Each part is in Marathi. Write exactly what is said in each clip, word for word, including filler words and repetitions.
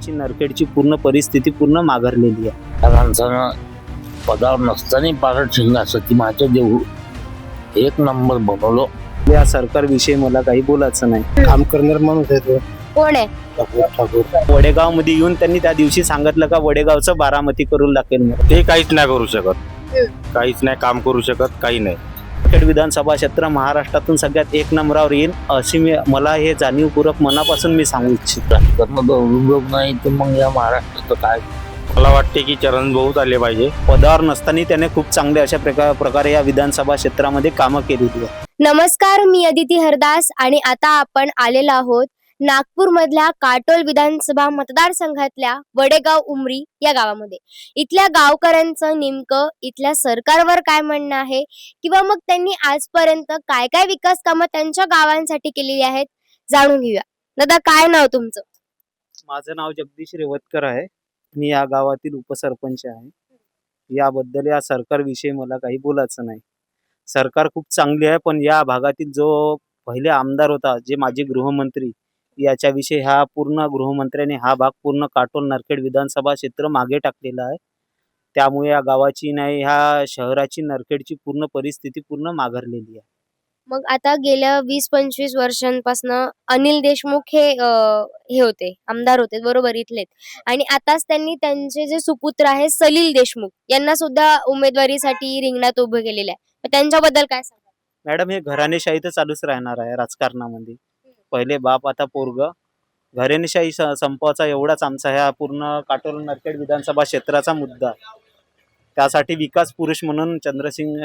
शहराची नरखेडची पूर्ण परिस्थिती पूर्ण माघारलेली आहे. त्या माणसानं पदावर नसताना पारड शिंगासाठी माझ्या देऊ एक नंबर बनवलो. या सरकारविषयी मला काही बोलायचं नाही. काम करणार माणूस आहे तो कोण आहे? ठाकूर ठाकूर वडेगाव मध्ये येऊन त्यांनी त्या दिवशी सांगितलं का वडेगावचं बारामती करून टाकेल म्हणून. ते काहीच नाही करू शकत, काहीच नाही काम करू शकत, काही नाही. नरखेड विधानसभा क्षेत्र महाराष्ट्रातून सगळ्यात एक नंबरावर येईल अशी मी मला हे जाणीवपूर्वक मनापासून मी सांगू इच्छितो. राजकारण उपयोग नाही तर मग या महाराष्ट्राचं काय. मला वाटते की चरण भाऊच आले पाहिजे. पदावर नसताना त्याने खूप चांगले अशा प्रकार प्रकारे या विधानसभा क्षेत्रामध्ये कामं केलेली आहे. नमस्कार, मी अदिती हरदास आणि आता आपण आलेलो आहोत नागपूर मधल्या काटोल विधानसभा मतदारसंघातल्या वडेगाव उमरी या गावामध्ये. इथल्या गावकऱ्यांचं नेमकं इथल्या सरकारवर काय म्हणणं आहे किंवा मग त्यांनी आजपर्यंत काय काय विकास कामं त्यांच्या गावांसाठी केलेली आहेत जाणून घेऊया. दादा, काय नाव तुमचं? माझं नाव जगदीश रेवतकर आहे. मी या गावातील उपसरपंच आहे. याबद्दल या सरकारविषयी मला काही बोलायचं नाही. सरकार खूप चांगली आहे, पण या भागातील जो पहिले आमदार होता, जे माजी गृहमंत्री, याच्याविषयी हा पूर्ण गृहमंत्र्याने हा भाग पूर्ण काटोल नरखेड विधानसभा क्षेत्र मागे टाकलेला आहे. त्यामुळे या गावाची नाही ह्या शहराची नरखेडची पूर्ण परिस्थिती पूर्ण माघारलेली आहे. मग आता गेल्या वीस पंचवीस वर्षांपासून अनिल देशमुख हे अं, हे होते आमदार होते, बरोबर, इथलेच. आणि आताच त्यांनी त्यांचे जे सुपुत्र आहे सलील देशमुख यांना सुद्धा उमेदवारीसाठी रिंगणात उभे केलेले आहे. मग त्यांच्याबद्दल काय सांगा? मॅडम, हे घराणेशाही तर चालूच राहणार आहे राजकारणामध्ये. पहिले बाप आता पोरग. घराणेशाही स- संपवायचा एवढाच आमचा ह्या पूर्ण काटोल नरखेड विधानसभा क्षेत्राचा मुद्दा आहे. त्यासाठी विकास पुरुष म्हणून चंद्रसिंग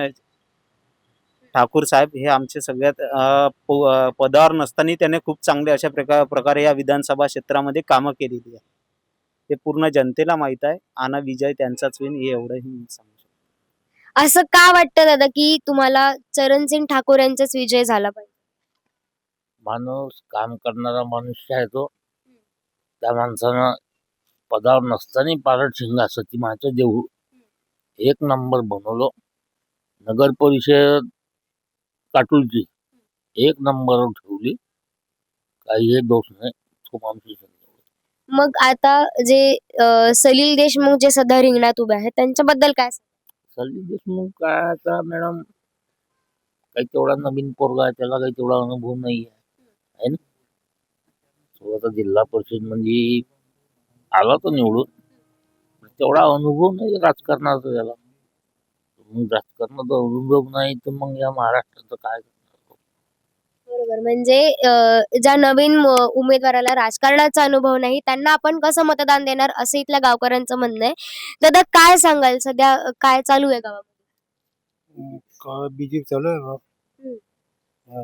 ठाकूर साहेब हे आमचे सगळ्यात अ, प- अ, पदावर नसताना त्याने खूप चांगले अशा प्रकार प्रकारे या विधानसभा क्षेत्रामध्ये कामं केलेली आहे. हे पूर्ण जनतेला माहीत आहे. आणि विजय त्यांचाच होईल हे एवढंही मी सांगू शकतो. असं का वाटतं दादा की तुम्हाला चरणसिंग ठाकूर यांचाच विजय झाला पाहिजे? माणूस काम करणारा मनुष्य आहे तो. त्या माणसानं पदावर नसताना पारड शिंगासाठी माझ्या देऊ एक नंबर बनवलो. नगर परिषद काटोलची एक नंबरवर ठेवली. काही हे दोष नाही, तो माणूस. मग आता जे अं, सलील देशमुख जे सध्या रिंगणात उभे आहेत त्यांच्याबद्दल काय सांगाल? सलील देशमुख काय आता मॅडम, काही तेवढा नवीन पोरगा आहे, त्याला काही तेवढा अनुभव नाही आहे है ना. तो आता जिल्हा परिषद म्हणजे आला तर निवडून, पण तेवढा अनुभव नाही राजकारणाचा त्याला. मग राजकारणाचा अनुभव नाही तर मग या महाराष्ट्राचं काय. बरोबर, म्हणजे अं, ज्या नवीन म- उमेदवाराला राजकारणाचा अनुभव नाही त्यांना आपण कसं मतदान देणार असं इथल्या गावकऱ्यांचं म्हणणं आहे. दादा, काय सांगाल सध्या अं, काय चालू आहे गावामध्ये? का बीजेपी चालू आहे बा. हम्म. हा.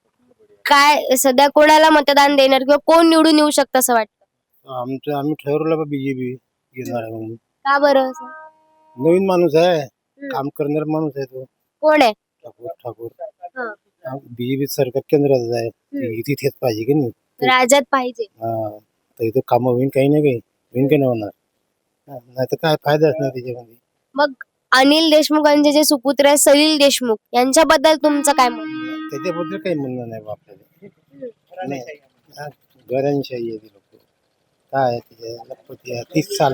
काय सध्या कोणाला मतदान देणार किंवा कोण निवडून येऊ शकतं असं वाटतं? आमचं आम्ही ठरवलं बा बीजेपी घेणार आहे म्हणून. का बरं असं? नवीन माणूस आहे, काम करणार माणूस आहे तो कोण आहे? ठाकूर ठाकूर हं. बीजेपी सरकार केंद्रात आहे. हम्म. तिथेच पाहिजे की नाही. राज्यात पाहिजे. हा, तर इथं कामं होईन काही नाही, काही होईन काही नाही होणार. नाही तर काय फायदाच नाही त्याच्यामध्ये. मग अनिल देशमुखांचे जे सुपुत्र आहे सलील देशमुख यांच्याबद्दल तुमचं काय मत आहे? त्याच्याबद्दल काही म्हणणं नाही बा आपल्याला. नाही, हा, घरांशाही आहे ती लोक. काय आहे त्याच्या लखपती आहे, तीस साल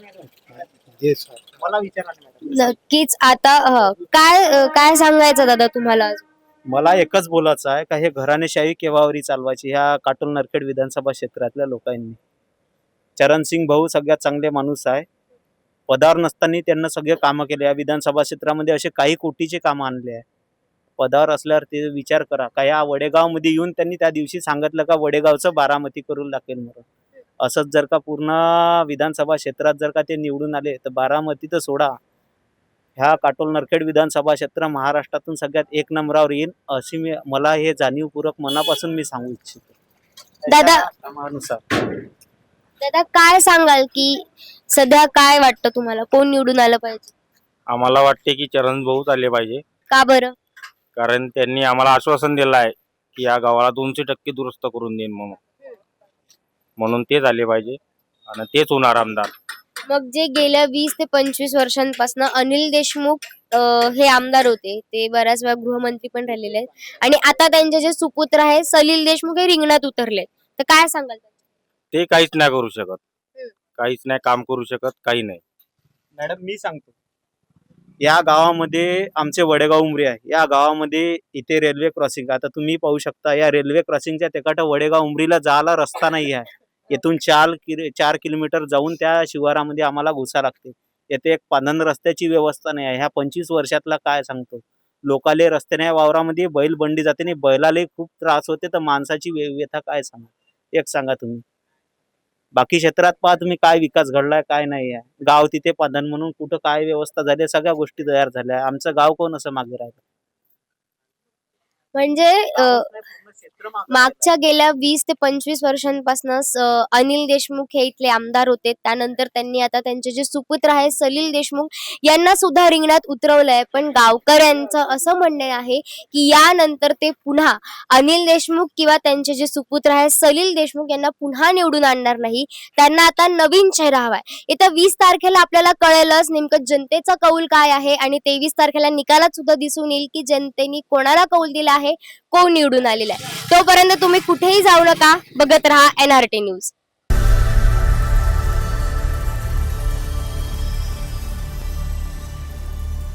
जे मला विचारा. नक्कीच. आता हं, काय अं, काय सांगायचं दादा तुम्हाला अजून? मला एकच बोलायचं आहे का हे घराणेशाही केव्हावरी चालवायची ह्या काटोल नरखेड विधानसभा क्षेत्रातल्या लोकांनी. चरणसिंग भाऊ सगळ्यात चांगले माणूस आहे. पदावर नसताना त्यांना सगळे कामं केले. या विधानसभा क्षेत्रामध्ये असे काही कोटीचे कामं आणले आहे. पदावर असल्यावर ते विचार करा का या वडेगावमध्ये येऊन त्यांनी त्या दिवशी सांगितलं का वडेगावचं बारामती करून टाकेल म्हणून. असंच जर का पूर्ण विधानसभा क्षेत्रात जर का ते निवडून आले तर बारामती तर सोडा, ह्या काटोल नरखेड विधानसभा क्षेत्र महाराष्ट्रातून सगळ्यात एक नंबरावर येईल अशी मी मला हे जाणीवपूर्वक मनापासून मी सांगू इच्छितो. दादा कामानुसार दादा काय सांगाल की सध्या काय वाटतं तुम्हाला कोण निवडून आलं पाहिजे? आम्हाला वाटते की चरण भाऊच आले पाहिजे. का बरं? कारण त्यांनी आम्हाला आश्वासन दिलं आहे की या गावाला दोनशे टक्के दुरुस्त करून देईन म्हणून. म्हणून तेच आले पाहिजे आणि तेच होणार आमदार. मग जे गेल्या वीस ते पंचवीस वर्षांपासून अनिल देशमुख अं, हे आमदार होते, ते बऱ्याच वेळा गृहमंत्री पण राहिलेले आहेत आणि आता त्यांचे जे सुपुत्र आहे सलील देशमुख हे रिंगणात उतरले, तर काय सांगाल? ते काहीच नाही करू शकत, हम्म. काहीच नाही काम करू शकत, काही नाही. मॅडम मी सांगतो, या गावामध्ये आमचे वडेगाव उमरी आहे. या गावामध्ये इथे रेल्वे क्रॉसिंग, आता तुम्ही पाहू शकता या रेल्वे क्रॉसिंगच्या तिकट वडेगाव उमरीला जायला रस्ता नाही आहे. येथून चार किलो चार किलोमीटर जाऊन त्या शिवारामध्ये आम्हाला घुसा लागते. येथे एक पांधन रस्त्याची व्यवस्था नाही आहे. ह्या पंचवीस वर्षातला काय सांगतो, लोकाले रस्ते नाही, वावरामध्ये बैल बंडी जाते नाही, बैलाले खूप त्रास होते, तर माणसाची व्य- व्यथा काय सांगा, एक सांगा तुम्ही. बाकी क्षेत्रात पहा तुम्ही काय विकास घडलाय काय नाही आहे. गाव तिथे पांधन म्हणून कुठं काय व्यवस्था झाली, सगळ्या गोष्टी तयार झाल्या. आमचं गाव कोण असं मागे राहिलं? म्हणजे अ, मागच्या गेल्या वीस ते पंचवीस वर्षांपासून अनिल देशमुख हे इथले आमदार होते. त्यानंतर त्यांनी आता त्यांचे जे सुपुत्र आहे सलील देशमुख यांना सुद्धा रिंगणात उतरवलंय. पण गावकऱ्यांचं असं म्हणणे आहे की यानंतर ते पुन्हा अनिल देशमुख किंवा त्यांचे जे सुपुत्र आहे सलील देशमुख यांना पुन्हा निवडून आणणार नाही. त्यांना आता नवीन चेहरा हवाय. येत्या वीस तारखेला आपल्याला कळेलच नेमकं जनतेचा कौल काय आहे आणि तेवीस तारखेला निकालात सुद्धा दिसून येईल की जनतेने कोणाला कौल दिला आहे, कोण निवडून आलेला आहे. तोपर्यंत तुम्ही कुठेही जाऊ नका, बघत राहा एन आर टी न्यूज.